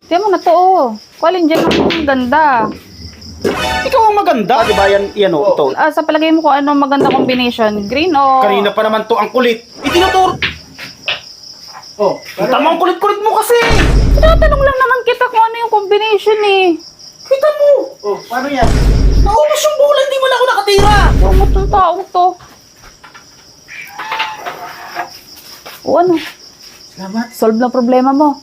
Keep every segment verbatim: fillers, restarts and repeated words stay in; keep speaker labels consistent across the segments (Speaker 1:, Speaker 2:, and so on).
Speaker 1: Tiyan mo na to, oh. Kualin dyan ang ganda.
Speaker 2: Ikaw ang maganda. Di ba yan, yan o, ito.
Speaker 1: Ah, sa palagay mo kung ano maganda combination? Green o...
Speaker 2: Kanina pa naman to ang kulit. Itinuturo. Oh, kita mo ang kulit-kulit mo kasi.
Speaker 1: Tinatanong lang naman kita kung ano yung combination eh.
Speaker 2: Kita mo. Oh, paano yan? Naubos yung bola, hindi mo na ako nakatira.
Speaker 1: Ano itong taong to? O ano?
Speaker 2: Salamat.
Speaker 1: Solve na problema mo.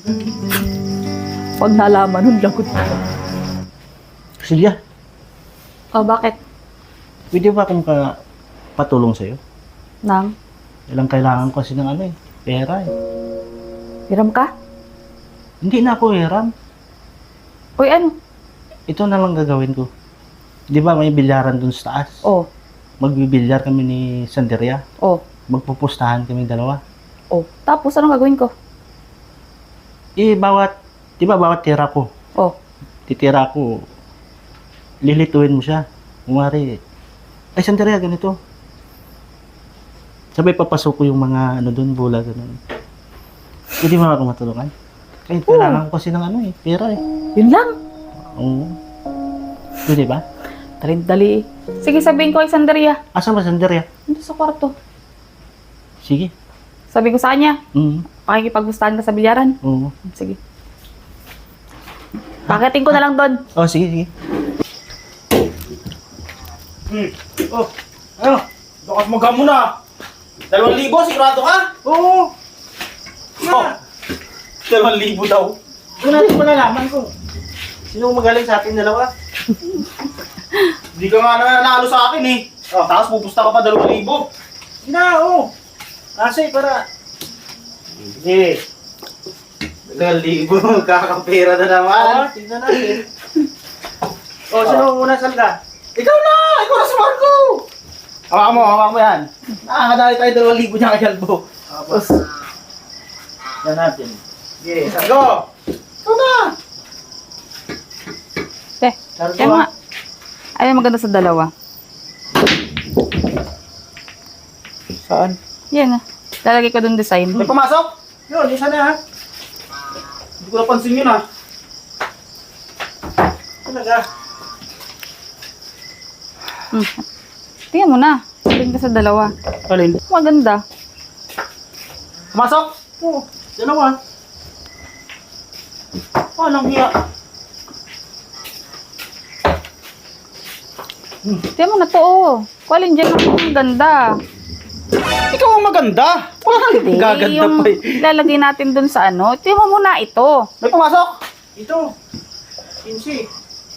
Speaker 1: Pag nalaman nun, lagot.
Speaker 3: Silya,
Speaker 1: Oh, bakit?
Speaker 3: pwede ba akong ka patulong sa'yo?
Speaker 1: Nang?
Speaker 3: Ilang kailangan ko kasi ng ano eh, pera eh.
Speaker 1: Hiram ka?
Speaker 3: Hindi na ako hiram.
Speaker 1: Uy, ano?
Speaker 3: Ito na lang gagawin ko. Di ba may bilyaran dun sa taas?
Speaker 1: Oh,
Speaker 3: Magbibilyar kami ni Sanderia.
Speaker 1: oh,
Speaker 3: Magpupustahan kami dalawa.
Speaker 1: oh. Tapos, anong gagawin ko?
Speaker 3: Eh, bawat, di ba bawat tira ko,
Speaker 1: Oh,
Speaker 3: titira ko, lilituin mo siya. Umari, ay Sanderia, ganito. Sabay papasok ko yung mga ano dun, bola, ganun. Hindi mo ako matulungan. Kahit kailangan ko kasi ng ano eh, pera eh.
Speaker 1: yun lang.
Speaker 3: Oo. Pwede ba?
Speaker 1: Dali-dali. Sige, sabihin ko kay Sandaria.
Speaker 3: Asa ba Sanderia?
Speaker 1: Dito sa kwarto.
Speaker 3: Sige.
Speaker 1: Sabi ko sa kanya,
Speaker 3: Mm.
Speaker 1: pakikipaggustahan ka sa bilyaran.
Speaker 3: Oo.
Speaker 1: Sige. Paketin ko na lang doon.
Speaker 3: Oh, sige, sige.
Speaker 2: Hmm. Oh, ano? Bakas magkamo na. Dalawang libo, sigurado ka?
Speaker 3: Oo.
Speaker 2: Oh. Dalawang libo daw.
Speaker 3: Doon natin malalaman ko. Sino magaling sa ating dalawa?
Speaker 2: Hindi ka nga naman nanalo sa akin eh. Oh, tapos pupusta ka pa dalawang libo.
Speaker 3: Sige na, oo. Kasi para...
Speaker 2: Sige. Dalawang libo, kakapera na naman.
Speaker 3: Oo, tignan natin. Oh, sino muna salga?
Speaker 2: Ikaw na! Ikaw na si Marco! Hawakan mo, hawakan mo yan. Nakakadali tayo dalawang libo niya kay Albo.
Speaker 3: Tapos... Yan natin.
Speaker 2: Sige, go! Ikaw na!
Speaker 1: Te,
Speaker 3: Sardo,
Speaker 1: kaya mga... Ay, maganda sa dalawa.
Speaker 2: Saan?
Speaker 1: Yan ah. Lalagay ko doon design.
Speaker 2: May pumasok?
Speaker 3: Yun, isa na ha.
Speaker 2: Hindi ko napansin yun ah.
Speaker 3: Talaga.
Speaker 1: Hmm. Tingnan mo na. Tingnan ka sa dalawa.
Speaker 2: Alin?
Speaker 1: Maganda.
Speaker 2: Pumasok?
Speaker 3: Oo, dalawa.
Speaker 2: Oh, anong hiya?
Speaker 1: Tingnan mo na to, oh. Kualin dyan ang ganda.
Speaker 2: Ikaw ang maganda. Wala nang
Speaker 1: Eh,
Speaker 2: gaganda
Speaker 1: yung
Speaker 2: pa eh.
Speaker 1: lalagay natin doon sa ano. Tingnan mo muna ito.
Speaker 2: May pumasok?
Speaker 3: Ito. Kinsi.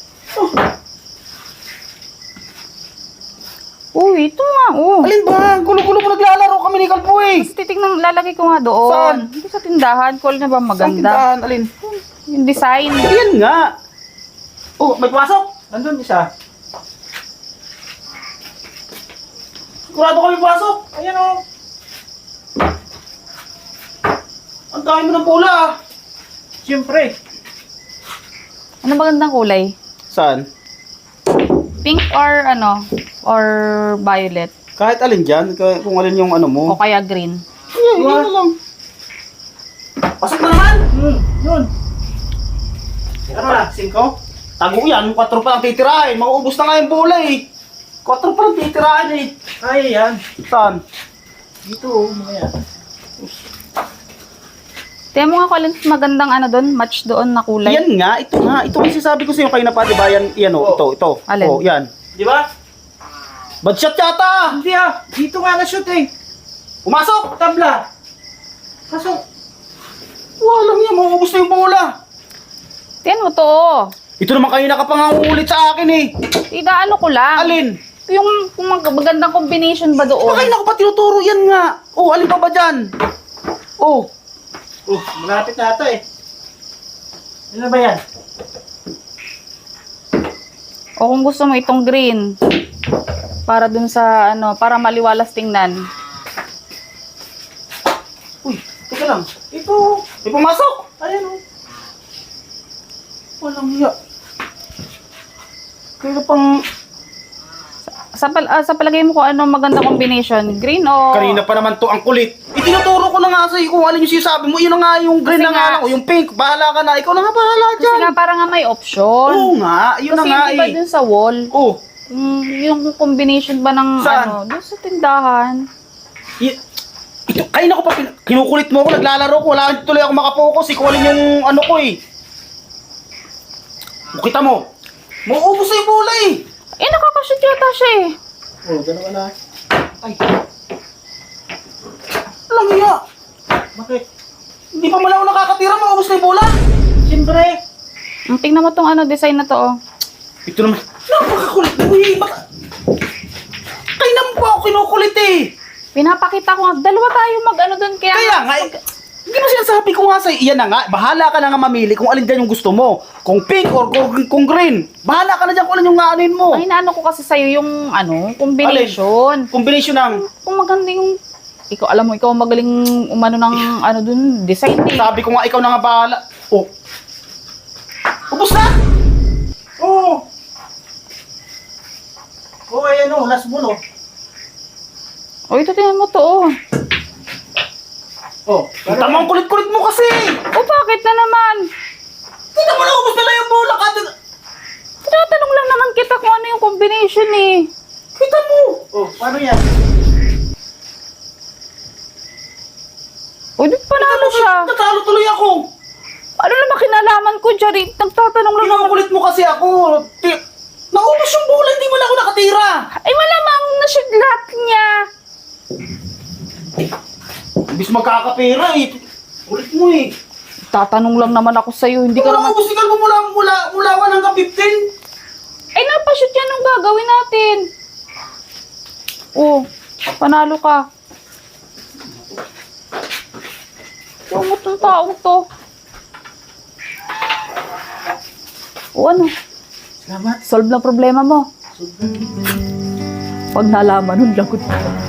Speaker 1: Uy, ito nga, oh.
Speaker 2: Alin ba? Gulo-gulo mo naglalaro kami ni Kalpo eh.
Speaker 1: Titignan, lalagay ko nga doon.
Speaker 2: Saan?
Speaker 1: Dito sa tindahan. Kualin na ba
Speaker 2: Saan
Speaker 1: maganda?
Speaker 2: tindahan? Alin?
Speaker 1: Yung design.
Speaker 2: Ayan nga. Oh, may pumasok?
Speaker 3: Nandun isa.
Speaker 2: Sigurado kami pumasok.
Speaker 3: Ayan o.
Speaker 2: Ang dami mo ng pula ah.
Speaker 3: Siyempre.
Speaker 1: Ano magandang kulay?
Speaker 2: Saan?
Speaker 1: Pink or ano? Or violet?
Speaker 2: Kahit alin dyan, kaya- kung alin yung ano mo.
Speaker 1: O kaya green?
Speaker 2: Yeah, yun na lang. Pasok na naman!
Speaker 3: Hmm, yun.
Speaker 2: Ano na, singko? Tago yan, kwatro pa lang titirahin. Mauubos na nga yung bola eh. Kwatro pa lang titirahin eh.
Speaker 3: Kaya yan.
Speaker 2: Saan?
Speaker 3: Dito o, mamaya.
Speaker 1: Tingnan mo nga kung alin magandang ano doon. Match doon na kulay.
Speaker 2: Yan nga, ito nga. Ito ang sinasabi ko sa'yo kayo na pa, di ba? Yan, yan o,
Speaker 3: Oh.
Speaker 2: ito, ito.
Speaker 1: Alin?
Speaker 2: Oh, yan.
Speaker 3: Di ba?
Speaker 2: Bad shot yata!
Speaker 3: Hindi ah. Dito nga na-shoot eh.
Speaker 2: Pumasok!
Speaker 3: Tabla. Pasok.
Speaker 2: Walang yan, mauubos na yung bola.
Speaker 1: Tingnan mo to, oh.
Speaker 2: Ito naman kayo nakapangangulit sa akin eh.
Speaker 1: Ida, ano ko lang.
Speaker 2: Alin?
Speaker 1: Yung kung mag- magandang combination ba doon?
Speaker 2: Baka na ko pa tinuturo yan nga. Oh, alin pa ba dyan? Oh,
Speaker 3: Oh, malapit na ata eh. Ano ba yan?
Speaker 1: O kung gusto mo itong green. Para dun sa ano, para maliwalas tingnan.
Speaker 2: uy, teka lang. Ito, may pumasok.
Speaker 3: Ayan o.
Speaker 2: Walang hiya. Kaya pang...
Speaker 1: Sa, pal- ah, sa palagay mo kung ano magandang combination? Green o...
Speaker 2: Kanina pa naman to ang kulit. Ito tinuturo ko na nga sa'yo kung alin yung sinasabi mo. Yun na nga yung green
Speaker 1: Kasi
Speaker 2: na nga
Speaker 1: nga-
Speaker 2: lang. O yung pink, bahala ka na. Ikaw na nga bahala
Speaker 1: Kasi
Speaker 2: dyan.
Speaker 1: nga para nga may option.
Speaker 2: Oo nga, yun na
Speaker 1: Kasi
Speaker 2: nga
Speaker 1: di ba
Speaker 2: eh.
Speaker 1: dun sa wall,
Speaker 2: Oh,
Speaker 1: mm, yung combination ba ng
Speaker 2: Saan?
Speaker 1: ano, dun sa tindahan.
Speaker 2: y- ito, ay naku pa, pin- kinukulit mo ako, naglalaro ko. Wala tuloy ako makapokus. Ikaw alin yung ano ko eh. O, kita mo. Mauubos na yung bola eh.
Speaker 1: Eh, nakakashoot yata siya eh.
Speaker 3: Oh, dalawa na.
Speaker 2: Ay. Alam mo ya.
Speaker 3: Bakit?
Speaker 2: Hindi pa mala ako nakakatira, maubos na yung bola.
Speaker 3: Siyempre.
Speaker 1: Mm, tingnan mo tong ano, design na to oh.
Speaker 2: Ito naman. Napakakulit mo eh. Baka... Kaya naman po ako kinukulit eh.
Speaker 1: Pinapakita ko nga, dalawa tayo mag ano dun kaya.
Speaker 2: Kaya nga, eh, hindi mo sinasabi ko nga sa'yo, iyan na nga, bahala ka na nga mamili kung alin dyan yung gusto mo. Kung pink or kung, kung green. Bahala ka na dyan kung alin yung aanin mo.
Speaker 1: Ang inaano ko kasi sa'yo yung ano, combination.
Speaker 2: Combination ng,
Speaker 1: Kung maganda yung, ikaw, alam mo, ikaw magaling umano ng ano dun, design eh.
Speaker 2: sabi ko nga, ikaw na nga bahala. Oh. Ubus na!
Speaker 3: Oo. Oh, ayan o, last ball oh.
Speaker 1: O, ito tingnan mo to oh.
Speaker 3: Oh,
Speaker 2: Ang tamang kulit-kulit mo kasi.
Speaker 1: O, bakit na naman?
Speaker 2: Tingnan mo na, ubus na lang yung bola. Kada...
Speaker 1: Tinatanong lang naman kita kung ano yung combination eh.
Speaker 2: Kita mo.
Speaker 3: Oh, paano yan?
Speaker 1: O, di panalo siya.
Speaker 2: Natalo tuloy ako.
Speaker 1: Ano naman kinalaman ko dyan eh? Nagtatanong lang naman.
Speaker 2: Kinukulit mo kasi ako. Ti- Naubos yung bola, hindi mo na ako nakatira.
Speaker 1: Ay, malamang na-shoot lahat niya.
Speaker 2: Ibis magkakapera eh. Ulit mo eh.
Speaker 1: Tatanong lang naman ako sa'yo, hindi ka
Speaker 2: Wala
Speaker 1: naman...
Speaker 2: ubos ikaw mo mula, mula, mula one hanggang fifteen.
Speaker 1: Ay, napashoot yan ang gagawin natin. Oh, panalo ka. Tungot ng taong to. O ano,
Speaker 3: Salamat.
Speaker 1: solve na problema mo. Pag nalaman nun, lagot.